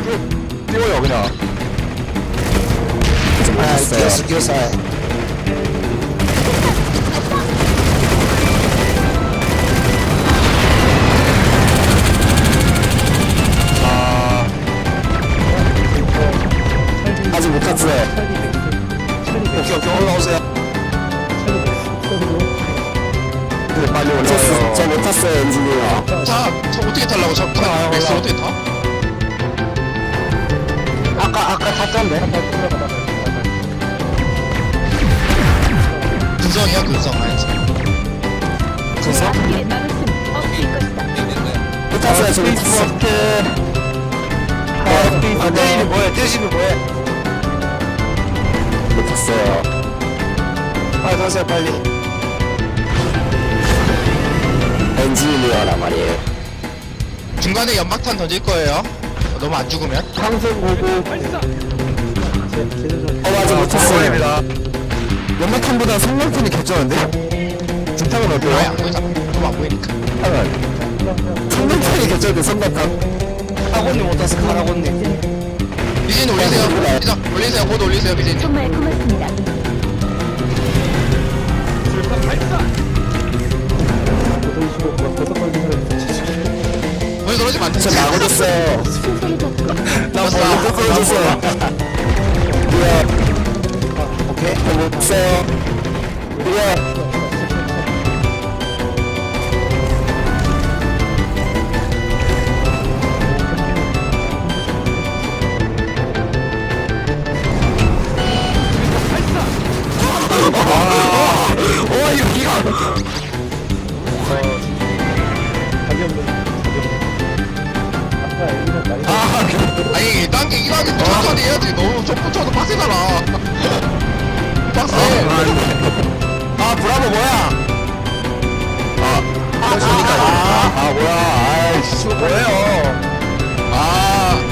띄워요 그냥. 아, 뛰었어. 아 아직 못 탔어요. 오케이, 올라오세요. 근데 빨리 올라와요. 저못 탔어요, 엔지니어. 저 어떻게 타려고? 저 맥스 어떻게 타? 아까 탔던데? 근성이야 근성 알지? 그래서? 길 막을 수는 없을 것이다. 못 탔어요, 저못 탔어. 떼시는 뭐해? 떼시는 뭐해? 못 탔어요. 빨리 가세요 빨리. 엔지니어란 말이에요. 중간에 연막탄 던질 거예요. 너무 안 죽으면. 상승 보고. 맞아, 못 탔어요. 고맙습니다. 연막탄보다 성능탄이 개쩌는데? 중탄은 아예 어때요? 안 보이잖아. 너무 안 보이니까. 탄은. 성능탄이 개쩌는데, 성능탄. 카고님 못 탔어 카라고님. 미진 올리세요. 미진 올리세요. 곧 올리세요 미진. 정말 고맙습니다. 오늘 떨어지면 안 돼. 저 나고졌어요. 순서를 잡고 나 왔어. 못 떨어졌어. 오케이. 못 탔어요. 와 이거 기가. 아니 딴게 이거하기 천천히 해야지. 너무 좀 붙여도 빡세잖아. 빡세. 아 브라보 뭐야? 아 뭐야? 아이씨 이거 뭐예요? 아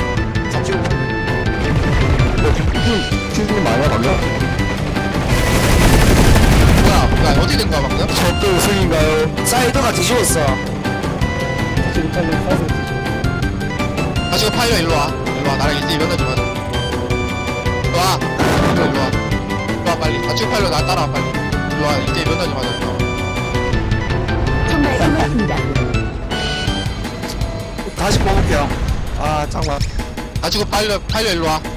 퀴즈님 많이 방금? 뭐야 어디 된 거야 방금? 저또 우승인가요? 사이드가 뒤집었어. 아 지금 팔려 일로 와. 일로 와. 나랑 1대1 면허 좀 하자. 일로 와. 일로 와. 일로 와 빨리. 아 지금 팔려 나 따라와 빨리. 일로 와. 1대1 면허 좀 하자. 일로 와. 정말 고맙습니다. 다시 뽑을게요. 아 잠깐만. 아 지금 팔려 일로 와.